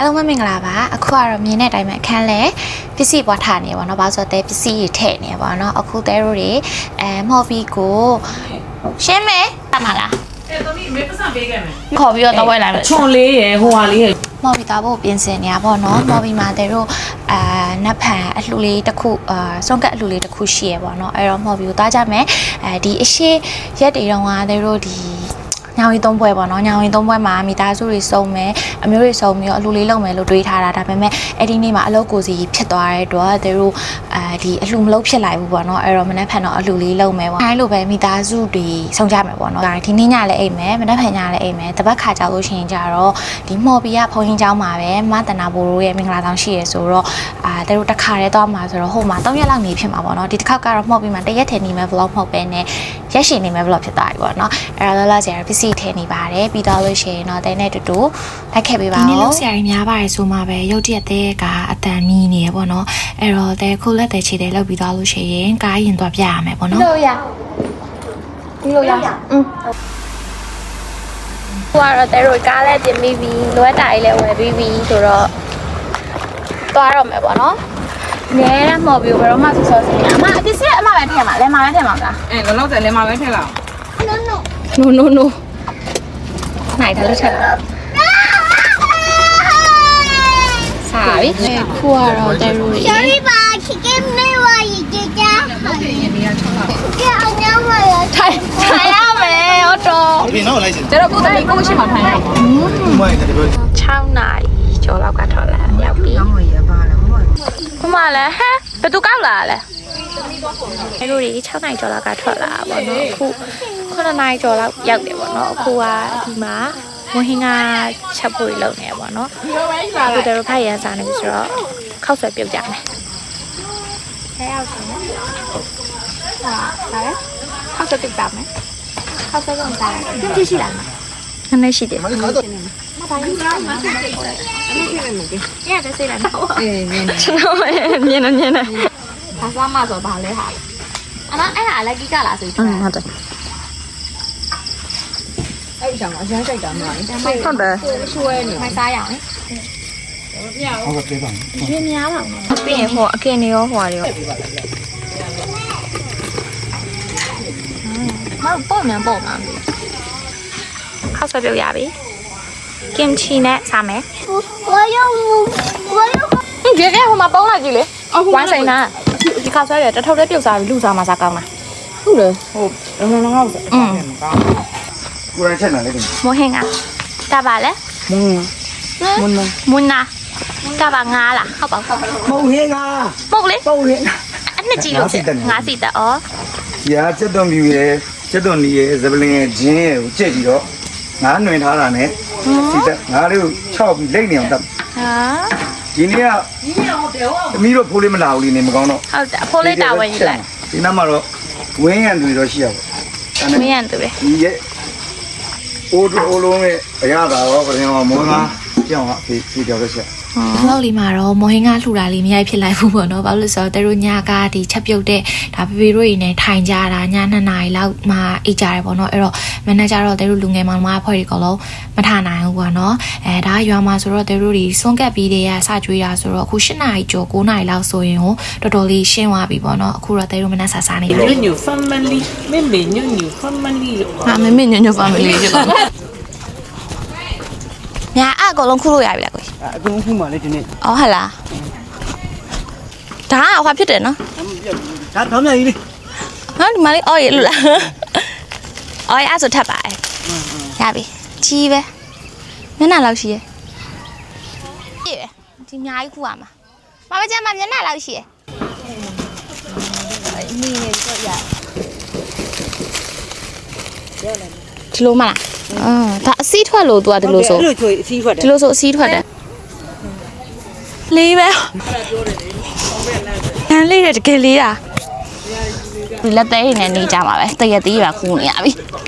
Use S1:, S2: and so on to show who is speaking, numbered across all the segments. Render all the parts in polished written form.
S1: အားလုံးပဲမင်္ဂလာပါအခုကတော့မြင်တဲ့အတိုင်းပဲအခန်းလဲပစ္စည်းပွားထားနေပါတော့ဘာလို့ဆိုတော့ပစ္စည်းတွေထည့်နေပါတော့အခုတဲတို့တွေမော်ဘီကိုရှင်းမယ်တမလား
S2: သမီးမေပစံပေးခဲ့မယ်
S1: ခေါ်ပြီးတော့ဝယ်လိုက်မယ်
S2: ချွန်လေးရယ်ဟိုဟာလေးရယ်
S1: မော်ဘီသားဖို့ပြင်ဆင်နေရပါတော့မော်ဘီမှာတဲတို့နတ်ဖန်အလှလေးတစ်ခုစွန့်ကတ်အလှလေးတစ်ခုရှိရပါတော့အဲ့တော့မော်ဘီကိုသားကြမယ်ဒီအရှိရက်တွေတော့ကတဲတို့ဒီညောင်ရီသုံးပွဲပေါ့နော်ညောင်ရီသုံးပွဲမှာမိသားစုတွေစုံမယ်အမျိုးတွေစုံပြီးတော့အလှလေးလုပ်မယ်လို့တွေးထားတာဒါပေမဲ့အဲ့ဒီနေ့မှာအလုပ်ကိုစီဖြစ်သွားတဲ့အတွက်သူတို့ဒီအလှမလုပ်ဖြစ်လိုက်ဘူးပေါ့နော်အဲ့တော့မနေ့ဖန်တော့အလှလေးလုပ်မယ်ပေါ့အဲလိုပဲမိသားစုတွေစုံကြမယ်ပေါ့နော်ဒီနေ့ညလည်းအိမ်မယ်မနေ့ဖန်ညလည်းအိမ်မယ်တပတ်ခါကြောက်လို့ရှိရင်ကြတော့ဒီမော်ဘီကဖုန်းချင်းเจ้าမှာပဲမတနာဘိုးတို့ရဲ့မင်္ဂလာဆောင်ရှိရဆိုတော့သူတို့တစ်ခါတည်းသွားမှာဆိုတော့ဟိုမှာ3ရက်လောက်နေဖြစ်မှာပေါ့နော်ဒီတစ်ခေါက်ကတော့မော်ဘီမှာ1ရက်ထည်နေမယ် vlog မဟုတ်ပဲနဲ့ရက်ရှည်နေမယ် vlog ဖြစ်သွားပြီပေါ့နော်အဲ့တော့လာကြရပစ္စည်းထည့်နေပါတယ်ပြီးတော့လို့ရှိရင်တော့တဲနဲ့တူတူလိုက်ခဲ့ပေးပါဦးဒီနေ့လို့ဆရာကြီးများပါတယ်ဆိုမှပဲရုပ်တရက်တဲ့ကအတန်နီးနေရပေါ့နော်အဲ့တော့တဲခုလက်တဲ့ခြေတဲလောက်ပြီးတော့လို့ရှိရင်ကားရင်သွားပြရမယ်ပေါ့နော်လို့ရလို့ရဟိုကတော့တဲတို့ကားလည်းပြင်ပြီးပြီလွယ်တာကြီးလည်းဝယ်ပြီးပြီဆိုတော့သွားတော့မယ်ပေါ့နော်နဲရမော်ပြီးဘယ်တော့မှစောစောစီနေအမအပစ္စည်းအမပဲထည့်မှာလဲမပဲထည့်မှာလား
S2: လောလောဆယ်လဲမှာပဲထည့်လောက်
S1: no နိုင်တယ်လို့ချက်လာစားပြီခုကတော့တဲရိုးကြီး
S3: Sorry ပါချစ်ကင်းနေဝါရီကြကြကြအောင်ရပါရ
S1: ထိုင်ရမယ်ဟုတ်တော့
S4: ဒီနောက်လိုက်စင်
S2: ကျတော့ကိုယ်တည်းကိုမရှိမှထိုင်ရအောင်
S4: မိုင်းတယ်ပြော
S1: 6နာရီကျော်လောက်ကထွက်လာရောက်ပြီ
S2: ကောင်းရပါလားမဟုတ်
S1: ဘမလဲဟဲ့ဘယ်သူကောက်လာလဲတဲရိုးကြီး6နာရီကျော်လောက်ကထွက်လာပါတော့အခု9နာရီကျော်လောက်ရောက်တယ်ပေါ့နော်အခုကဒီမှာဝဟင်းကချက်ဖို့လုပ်နေရပါတော့အခုတို့ဖိုက်ရန်စားနေပြီဆိုတော့ခောက်ဆွဲပြုတ်ကြမယ်ခဲရောက်တယ်နော်ဟာဒါလည်းခောက်ဆွဲပြုတ်ကြမယ်ခောက်ဆွဲပြုတ်ကြတယ်ကြည့်ရှိလားနည်းနည်းရှိတယ်မပါဘူးရတယ်စိတ်လာတော့ကျွန်တော်မြင်နေဘာစားမှဆိုဘာလဲဟာအမအဲ့ဟာလည်းကိကလားဆိုပြီးဟုတ်တယ်
S2: အဲ့ကြောင့်အရမ်းကြိုက်တာမလား
S1: ဟုတ်တယ်
S2: ဆွဲနေ
S1: မိုက်စားရအောင်
S4: ဟုတ်ကဲ့ပါ
S1: ရွေးများပါဘူးပြီးရင်ဟိုအကင်နေရောဟိုဟာရောပေါ့မြန်ပေါ့မှာခောက်ဆွဲပြုတ်ရပြီကင်ချီနဲ့စားမယ်
S3: 我要
S1: ကြည့်ဟိုမှာပုံးလာကြည့်လေဝိုင်းဆိုင်နာဒီခောက်ဆွဲရတထုပ်လေးပြုတ်စားပြီးလူစားမှစားကောင်းလား
S2: ဟုတ်တယ်ဟိုလုံးလုံးဆို
S4: ကိုရချက်လာလေဒီ
S1: မဟင်းကတပါလဲမွန်းနာတပါငါလားဟုတ်ပါဘူး
S4: မဟုတ်ဟင်းက
S1: ပုတ်လေ
S4: ပုတ်ဟင်း
S1: အနှစ်ကြီးလို့ငါစီတက်ဩ
S4: ရာချက်သွန်ပြူရဲ့ချက်သွန်နီရဲ့ဇပလင်ရဲ့ဂျင်းရဲ့ကိုကြက်ပြီးတော့ငါးနှွင်ထားတာနဲ့စီတက်ငါးလေးကို6ပြီးလိမ့်နေအောင်တပ်
S1: ဟာ
S4: ဒီနေ့ကသမီးတို့ဖိုးလေးမလာဘူးလေနေမကောင်းတော့
S1: ဟုတ်တယ်အဖိုးလေးတာဝန်ယူလိုက်
S4: ဒီနောက်မှာတော့ဝင်းရံသူတွေတော့ရှိရပါ
S1: ဘူးဝင်းရံသူပဲ
S4: ဒီရဲ့အိုးလုံးရဲ့အရသာရောပြင်မောင်းသားကြောင်အဖေပြောလို့ရှိ
S1: လောက်လီမှာတော့မော်ဟင်းကလှူတာလေးမရိုက်ဖြစ်လိုက်ဘူးပေါ့နော်ဘာလို့လဲဆိုတော့တို့ညကဒီချက်ပြုတ်တဲ့ဒါပေပေတို့တွေနဲ့ထိုင်ကြတာည2နာရီလောက်မှအိတ်ကြတယ်ပေါ့နော်အဲ့တော့မန်နေဂျာတော့တို့လူငယ်မောင်မအဖွဲ့တွေကတော့မထနိုင်ဘူးပေါ့နော်ဒါရွာမှာဆိုတော့တို့တွေစွန့်ကပ်ပြီးတဲ့စကြွေးတာဆိုတော့အခု8နာရီကျော်9နာရီလောက်ဆိုရင်ဟိုတော်တော်လေးရှင်းသွားပြီပေါ့နော်အခုတော့တို့မနက်စားနေပြီ
S2: ညည family မေမေညည family
S1: ဟာမေညည family ဖြစ်သွားညာအကောင်လုံးခုလို့ရပြီလားကို
S4: အကုန်ခုမှလေဒီနေ့
S1: အော်ဟလာဒါကဟွာဖြစ်တယ်နော်
S4: ဒါတော့မြန်ကြီးလေ
S1: ဟာဒီမလေးအော်ရလို့လားအော်ရအဲ့ဆိုထပ်ပါရပြီကြီးပဲမျက်နှာလောက်ရှိရဲ့ကြည့်ပဲဒီအများကြီးခုရမှာမမကျမမျက်နှာလောက်ရှိရဲ့နီးနေတော့ရဒီလိုမလားဒါအစီးထွက်လို့သူကဒီလိုဆို
S2: ဒီလိုဆိုအစီးထွက်တယ်
S1: ဒီလိုဆိုအစီးထွက်တယ်လေးပဲဟန်လေးတကယ်လေးတာဒီလက်သေးနဲ့နေကြမှာပဲတရက်သေးပါခူးနေရပြီ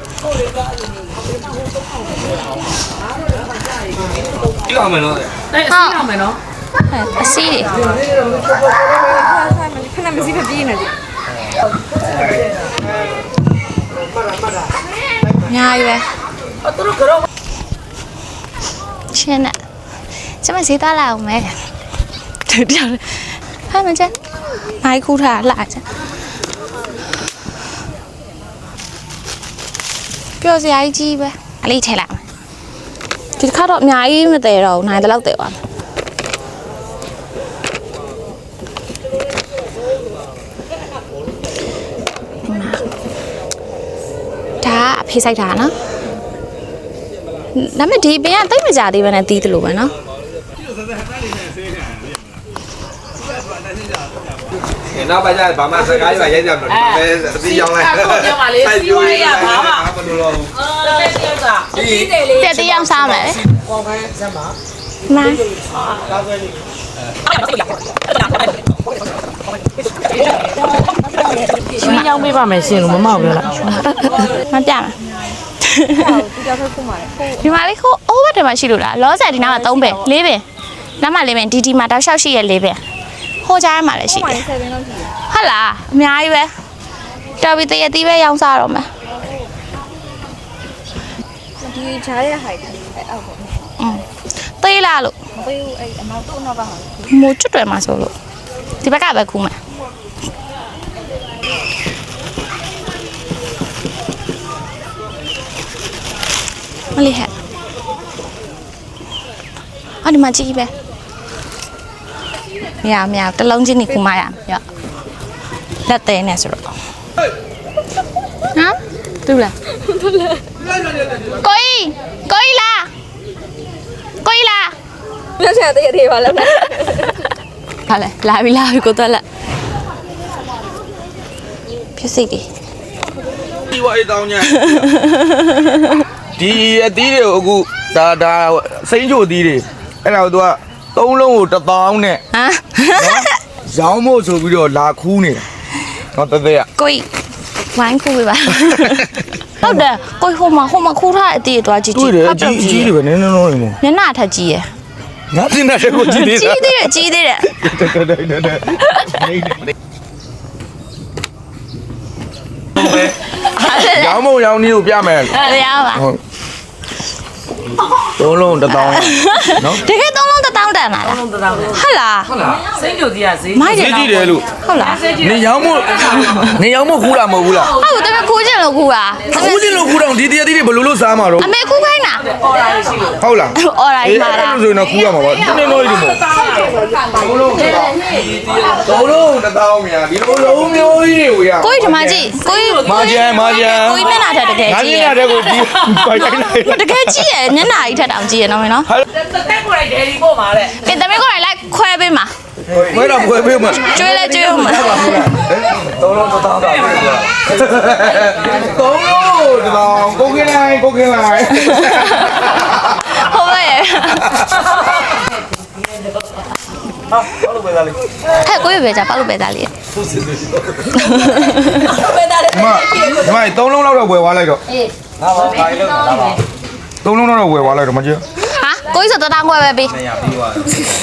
S4: ဒီအောင်မယ်နော်
S2: အဲ့အစီးအောင်မယ်နော်
S1: အစီး
S2: ခဏမစီးဖပြေးနေတယ်
S1: ညာရွယ်ချင်းနဲ့ကျမဈေးသွားလာအောင်မယ်တရားဟဲ့မကျမိုက်ခူးထားလာချင်ပြောစရာကြီးပဲအလေးထဲလိုက်ဒီတစ်ခါတော့အများကြီးမတည်တော့နိုင်တဲ့လောက်တည်သွားဒါအဖေးဆိုင်တာနော်ဒါပေမဲ့ဒီပင်ကတိတ်မကြသေးပဲနဲ့တီးတယ်လို့ပဲနော်
S5: နောက်ပါကြဘာမှစကားရွာရိုက်ကြမှာပဲဒီရောက်လိုက်စိုက်ပြိုးရဘာမှမလုပ်တော့ဘူး
S1: တက်တယောက်စားမယ်လေကောင်းခိုင်းစမ်းပါမှန်
S2: ရွှေရောင်းပေးပါမယ်ရှင်လို့မမောက်ပြောလား
S1: မပြမယ်ဒီမှာလေးခိုးအိုးဘက်ထဲမှာရှိလို့လားလောဆယ်ဒီနားမှာ3ပင်4ပင်နားမှာ4ပင်ဒီမှာတောက်လျှောက်ရှိရ4ပင်ဟိုကြားမှာလည်းရှိတယ်ဟုတ်လားအများကြီးပဲတော်ပြီတရတီးပဲရောင်းစားတော့မယ်
S6: ဒီဂျားရဲ့ height အဲ့အောက်ပေါ့
S1: သေးလားလို့
S6: မပေးဘူးအဲ့အနောက်တော့တော့ပါဟာ
S1: မိုးကျွတ်တယ်မှာဆိုလို့ဒီဘက်ကပဲခူးမယ်မလေးဟဲ့အော်ဒီမှာကြည့်ပဲမရတလုံးချင်းနေခူးမရရောလက်သေးနေဆိုတော့ဟမ်တူလားကိုကြီးလာ
S6: ပြောချင်တဲ့တေးပါလား
S1: ဟာလေလာပြီကိုတော့လက်ဖြစ်စိတ်ဒီ
S5: ဒီဝိုင်းတောင်းညာဒီအသီးတွေကိုအခုဒါစိမ့်ချိုအသီးတွေအဲ့ဒါကိုသူက3လုံးကို1000နဲ့
S1: ဟမ်
S5: ရောင်းဖို့ဆိုပြီးတော့လာခူးနေတာဟောတဲ့ရ
S1: ကိုဝိုင်းခူးပါဟုတ်တယ်ကိုဟိုမှာခူးထားအတီးသွားကြည့်
S5: ဟုတ်တယ်ကြီးတယ်ပဲနည်းနည်းလုံးနေမို့
S1: ညနာထက်ကြီးရယ်
S5: ငါတင်တဲ့ကိုကြီးသေးတယ်
S1: ကြီးသေးတယ်
S5: ရောင်းမရောင်းနည်းကိုပြမယ်
S1: ရပါ
S5: ဟုတ်3လုံး1000နော်
S1: တကယ်3လုံး1000တန်လာလားဟုတ်လား
S2: စိတ်ကြိုစီရဈေး
S5: ဈေးကြည့်တယ်လို့
S1: ဟုတ်လား
S5: နေရောင်းမခူးတာမဟုတ်ဘူးလား
S1: ဟုတ်တယ်ခူးချင်လို့ခူးတာ
S5: ခူးချင်လို့ခူးတော့ဒီတရားတိတွေဘယ်လိုစားမှာတော့
S1: အမေခူးခိုင်းတာ
S5: ဟုတ်လား
S1: အော်ရိုင်းပါလား
S5: အဲ့လိုဆိုရင်တော့ခူးရမှာပါနည်းနည်းလေးဒီမို့3လုံး1000မြန်ဒီလိုလုံးမျိုးကြီးတွေကိုရ
S1: ကိုကြီးဒီမှာကြည့်ကိုကြီး
S5: မာဂျန်
S1: ကိုကြီးမျက်နှာထက်တကယ်ကြီး
S5: ငါမျက်နှာထက်ကိုဒီပိုက်တိုင်း
S1: တကယ်ကြီးရမျက်နှာကြီးထက်တောင်ကြီးရနော်မင်းနော်
S2: တက်ကိုလိုက်ဒယ်ဒီပို့ပါတဲ့
S1: ပြင်သမီးကိုလိုက်ခွဲပေးမှာ
S5: ခွဲတော့ခွဲပေးမှာ
S1: ကျွေးလဲကျွေးဦးမှာ
S5: 3လုံး1000တာပဲ3လုံး1000ကိုကင်းလိုက်
S1: ဟုတ်ပါရဲ့
S5: ဘာလို့ပဲသားလေး
S1: ဟဲ့ကိုရပဲကြပါလို့ပဲသားလေး
S5: မ3လုံးလောက်တော့ဝယ်သွားလိုက်တော့အေးငါပါဘာလို့လဲ3လုံးတော့ဝယ်သွားလိုက်တော့မကြည့်
S1: ဟာကိုကြီးဆို1000ခွဲပဲပေး
S5: 200ပြီးသွား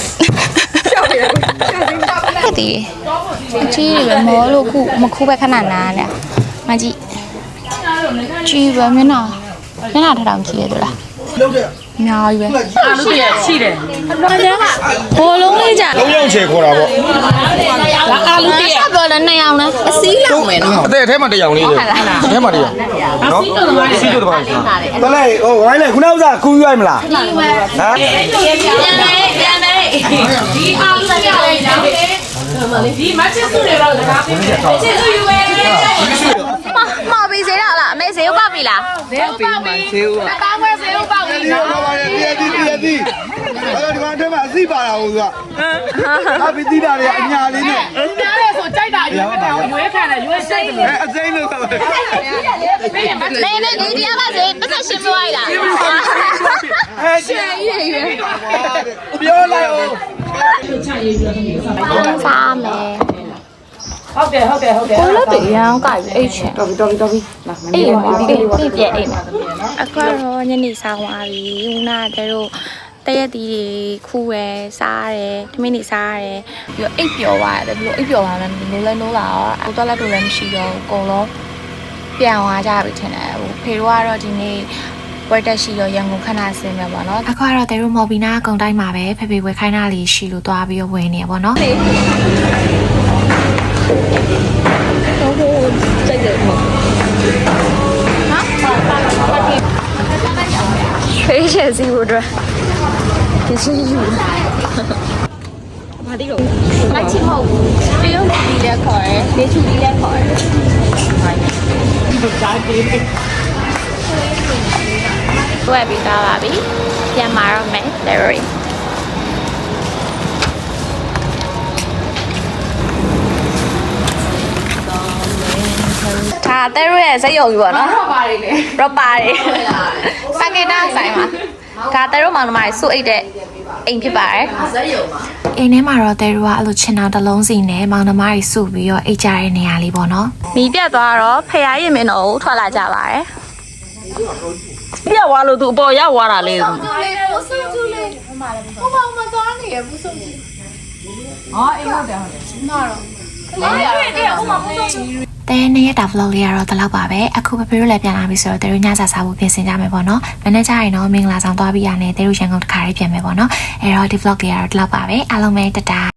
S1: ခဲ့တည်အကြီးတွေပဲမောလို့ခုမခူးပဲခဏနားနဲ့မကြည့်ကြီးပဲမျက်နှာထထောင်ကြီးရလို့လားအများကြီးပဲ
S2: အာလူပြရှိတယ်
S1: ဘောလုံးလေးကြ
S5: 3ယောက်ချေခေါ်တာပေါ့
S2: ဒါအာလူပြ
S1: ဆက်ပြောလဲ2ယောက်နဲ့အစည်းလောက်မယ်နော်
S5: အသေးအထဲမှာ1ယောက်လေးတယ်အထဲမှာ1ယောက်နော်စီးတို့တပါးရှိတယ်လေဟိုဝိုင်းလေခုနကခူးရွိုက်မလားဟမ်
S1: ပြန်ဒီအာလူပြလေးတော့
S2: ဒီမချစ်စုတွေတော့ဒါပြည့်ချစ်စုယူပဲ
S1: မော်ပြီးစေးတော့လားအမေစေးဥပောက်ပြီလား
S2: ဈေးပေမှာဈေးဥ
S1: တောင်းဝဲစေးဥပောက်ပြီလား
S4: တရားဒီအဲ့တော့ဒီမှာအထက်မှာအစီပါတာဟုတ်ကဟာပီတိတာတွေအညာလေးနဲ့
S2: ညားလေဆိုကြိုက်တာရွေးခံတယ်ရွေးစိတ်တယ်
S4: အစိမ့်လို့ဆို
S1: နေဒီတရားပါစေပတ်သက်ရှင်းမွားလား
S2: ရှယ်ကြီးရွေး
S5: ပြောလိုက်အောင်
S1: စားမယ်
S2: ဟုတ်တယ်
S1: ကိုလည်းတရန်ကြိုက်အိတ်ချင်
S2: တော်ပြီလာ
S1: အေးပါဒီပြည့်အိတ်မှာအခုတော့ညနေဆောင်သွားပြီဦးနာတို့တရက်တီးခူးရယ်စားရတယ်ထမင်းနေစားရတယ်ပြီးတော့အိတ်ပျော်သွားရတယ်ပြီးတော့အိတ်ပျော်သွားတယ်နိုးလဲနိုးလာတော့အခုတော့လက်တို့လည်းမရှိတော့ဘူးအကုန်လုံးပြန်သွားကြပြီထင်တယ်ဟိုဖေတို့ကတော့ဒီနေ့ပွဲတက်ရှိတော့ရန်ကုန်ခဏဆင်းမယ်ပေါ့နော်အခုကတော့တဲတို့မော်ဘီနာအကုန်တိုင်းမှာပဲဖေဖေဝယ်ခိုင်းတာလေးရှိလို့သွားပြီးတော့ဝင်နေရပေါ့နော်
S6: တော့ဟိုစိတ်တယ်ပေါ့ဖေးချယ်စီဖို့အတွက်ဒီစီယူဘာဒီလို့မချစ်မဟုတ်ဘူးတရုတ်ဒီလည်းခေါ်တယ်ဒေချူဒီလည်းခေါ်တယ်
S1: ဝယ်ပြီးသားပါပြီပြန်มาတော့မယ် Larry ဒါတဲရရဲ့စိတ်ယုံပြီပေါ့နော်ရောပါတွေလေရောပါတွေစကေတာဆိုင်မှာဒါတဲရမောင်နှမတွေစုအိတ်တဲ့အိမ်ဖြစ်ပါတယ်စိတ်ယုံပါအိမ်ထဲမှာတော့တဲရကအဲ့လိုချင်အောင်တစ်လုံးစီနဲ့မောင်နှမတွေစုပြီးတော့အိတ်ကြတဲ့နေရာလေးပေါ့နော်မီးပြတ်သွားတော့ဖယားရင်မင်းတို့ထွက်လာကြပါတယ်
S2: ပြက်သွားလို့သူအပေါ်ရောက်သွားတာလေ
S1: တဲနေ့ရက်တာ vlog လေးကတော့ဒီလောက်ပါပဲအခုပပေတို့လည်းပြန်လာပြီဆိုတော့တဲတို့ညစာစားဖို့ပြင်ဆင်ကြမယ်ပေါ့နော်မနေ့ကျရင်တော့မင်္ဂလာဆောင်သွားပြီးရတယ်တဲတို့ရန်ကုန်တစ်ခါလေးပြန်မယ်ပေါ့နော်အဲ့တော့ဒီ vlog လေးကတော့ဒီလောက်ပါပဲအားလုံးပဲတတာ